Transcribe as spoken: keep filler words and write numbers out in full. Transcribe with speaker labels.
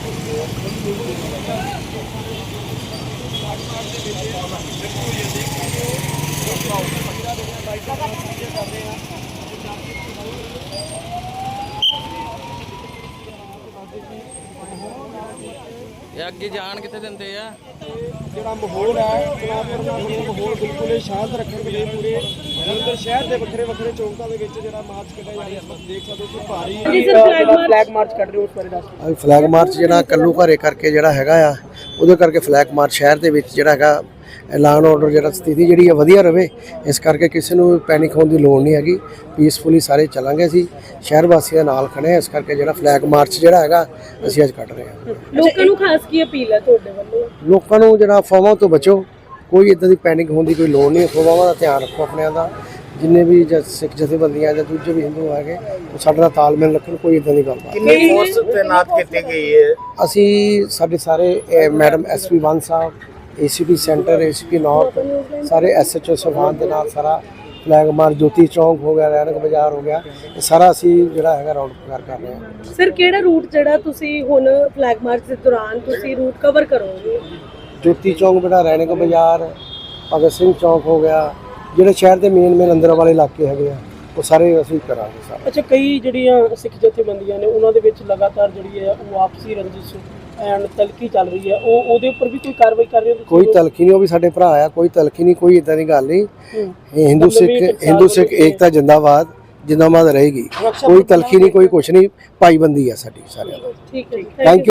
Speaker 1: ਅੱਗੇ ਜਾਣ ਕਿੱਥੇ ਦਿੰਦੇ ਆ।
Speaker 2: ਜਿਹੜਾ ਮਾਹੌਲ ਹੈ ਮਾਹੌਲ ਬਿਲਕੁਲ ਸ਼ਾਂਤ ਰੱਖਣ ਦੇ ਲਈ ਪੂਰੇ ਜਲੰਧਰ ਸ਼ਹਿਰ ਦੇ ਵੱਖਰੇ ਵੱਖਰੇ ਚੌਂਕਾਂ ਦੇ ਵਿੱਚ ਜਿਹੜਾ ਮਾਰਚ ਕੱਢਿਆ ਜਾ ਰਿਹਾ ਹੈ। ਦੇਖ ਸਕਦੇ ਹੋ ਕਿ ਭਾਰੀ ਫਲੈਗ ਮਾਰਚ ਕੱਢ ਰਹੇ ਹੋ, ਉਸ ਬਾਰੇ ਦੱਸੋ।
Speaker 3: ਫਲੈਗ ਮਾਰਚ ਜਿਹੜਾ ਕੱਲੂ ਘਰੇ ਕਰਕੇ ਜਿਹੜਾ ਹੈਗਾ ਆ, ਉਹਦੇ ਕਰਕੇ ਫਲੈਗ ਮਾਰਚ ਸ਼ਹਿਰ ਦੇ ਵਿੱਚ ਜਿਹੜਾ ਹੈਗਾ ਐਲਾਨ ਆਰਡਰ ਜਿਹੜਾ ਸਥਿਤੀ ਜਿਹੜੀ ਹੈ ਵਧੀਆ ਰਵੇ, ਇਸ ਕਰਕੇ ਕਿਸੇ ਨੂੰ ਪੈਨਿਕ ਹੋਣ ਦੀ ਲੋੜ ਨਹੀਂ ਹੈਗੀ। ਪੀਸਫੁਲੀ ਸਾਰੇ ਚੱਲਾਂਗੇ, ਅਸੀਂ ਸ਼ਹਿਰ ਵਾਸੀਆਂ ਨਾਲ ਖੜੇ ਹਾਂ। ਇਸ ਕਰਕੇ ਜਿਹੜਾ ਫਲੈਗ ਮਾਰਚ ਜਿਹੜਾ ਹੈਗਾ ਅਸੀਂ ਅੱਜ ਕੱਢ ਰਹੇ ਹਾਂ।
Speaker 4: ਲੋਕਾਂ ਨੂੰ ਖਾਸ ਕੀ ਅਪੀਲ ਹੈ ਤੁਹਾਡੇ ਵੱਲੋਂ?
Speaker 3: ਲੋਕਾਂ ਨੂੰ ਜਿਹੜਾ ਅਫਵਾਹਾਂ ਤੋਂ ਬਚੋ, ਕੋਈ ਇੱਦਾਂ ਦੀ ਪੈਨਿਕ ਹੋਣ ਦੀ ਕੋਈ ਲੋੜ ਨਹੀਂ। ਅਫਵਾਹਾਂ ਦਾ ਧਿਆਨ ਰੱਖੋ ਆਪਣਿਆਂ ਦਾ। ਜਿੰਨੇ ਵੀ ਸਿੱਖ ਜਥੇਬੰਦੀਆਂ ਜਾਂ ਦੂਜੇ ਵੀ ਹਿੰਦੂ ਹੈਗੇ ਉਹ ਸਾਡੇ ਨਾਲ ਤਾਲਮੇਲ ਰੱਖਣ, ਕੋਈ ਇੱਦਾਂ ਦੀ ਗੱਲ ਨਹੀਂ।
Speaker 2: ਕਿੰਨੀ ਫੋਰਸ ਤੈਨਾਤ ਕੀਤੀ ਗਈ ਹੈ?
Speaker 3: ਅਸੀਂ ਸਾਡੇ ਸਾਰੇ ਮੈਡਮ ਐਸ ਪੀ ਵਨ ਸਾਹਿਬ, A C P centre, A C P north, ਸਾਰੇ ਐਸ ਐਚ ਓ ਸਾਹਿਬਾਨ ਦੇ ਨਾਲ ਸਾਰਾ ਫਲੈਗ ਮਾਰਚ, ਜੋਤੀ ਚੌਂਕ ਹੋ ਗਿਆ, ਰੈਣਕ ਬਾਜ਼ਾਰ ਹੋ ਗਿਆ, ਇਹ ਸਾਰਾ ਅਸੀਂ ਜਿਹੜਾ ਹੈਗਾ ਰਾਊਂਡ ਕਰ ਕਰ ਰਹੇ ਹਾਂ।
Speaker 4: ਸਰ ਕਿਹੜਾ ਰੂਟ ਜਿਹੜਾ ਤੁਸੀਂ ਹੁਣ ਫਲੈਗ ਮਾਰਚ ਦੇ ਦੌਰਾਨ ਤੁਸੀਂ ਰੂਟ ਕਵਰ ਕਰੋਗੇ?
Speaker 3: ਜੋਤੀ ਚੌਂਕ ਬੇਟਾ, ਰੈਣਕ ਬਾਜ਼ਾਰ, ਭਗਤ ਸਿੰਘ ਚੌਂਕ ਹੋ ਗਿਆ, ਜਿਹੜੇ ਸ਼ਹਿਰ ਦੇ ਮੇਨ ਮੇਨ ਅੰਦਰ ਵਾਲੇ ਇਲਾਕੇ ਹੈਗੇ ਆ ਉਹ ਸਾਰੇ ਅਸੀਂ ਕਰਾਂਗੇ ਸਾਰੇ।
Speaker 2: ਅੱਛਾ, ਕਈ ਜਿਹੜੀਆਂ ਸਿੱਖ ਜਥੇਬੰਦੀਆਂ ਨੇ ਉਹਨਾਂ ਦੇ ਵਿੱਚ ਲਗਾਤਾਰ ਜਿਹੜੀ ਹੈ ਉਹ ਆਪਸੀ ਰੰਜਿਸ਼ ਐਂਡ ਤਲਖੀ ਚੱਲ ਰਹੀ ਹੈ, ਉਹ ਉਹਦੇ ਉੱਪਰ ਵੀ ਕੋਈ ਕਾਰਵਾਈ ਕਰ ਰਹੇ ਹੋ?
Speaker 3: ਕੋਈ ਤਲਖੀ ਨਹੀਂ, ਉਹ ਵੀ ਸਾਡੇ ਭਰਾ ਆ, ਕੋਈ ਤਲਖੀ ਨਹੀਂ, ਕੋਈ ਇਦਾਂ ਦੀ ਗੱਲ ਨਹੀਂ। ਇਹ ਹਿੰਦੂ ਸਿੱਖ ਹਿੰਦੂ ਸਿੱਖ ਏਕਤਾ ਜਿੰਦਾਬਾਦ ਜਿੰਦਾਬਾਦ ਰਹੇਗੀ। ਕੋਈ ਤਲਖੀ ਨਹੀਂ, ਕੋਈ ਕੁਛ ਨਹੀਂ, ਭਾਈਬੰਦੀ ਆ ਸਾਡੀ ਸਾਰਿਆਂ ਦੀ।
Speaker 4: ਠੀਕ ਹੈ,
Speaker 3: ਥੈਂਕ ਯੂ।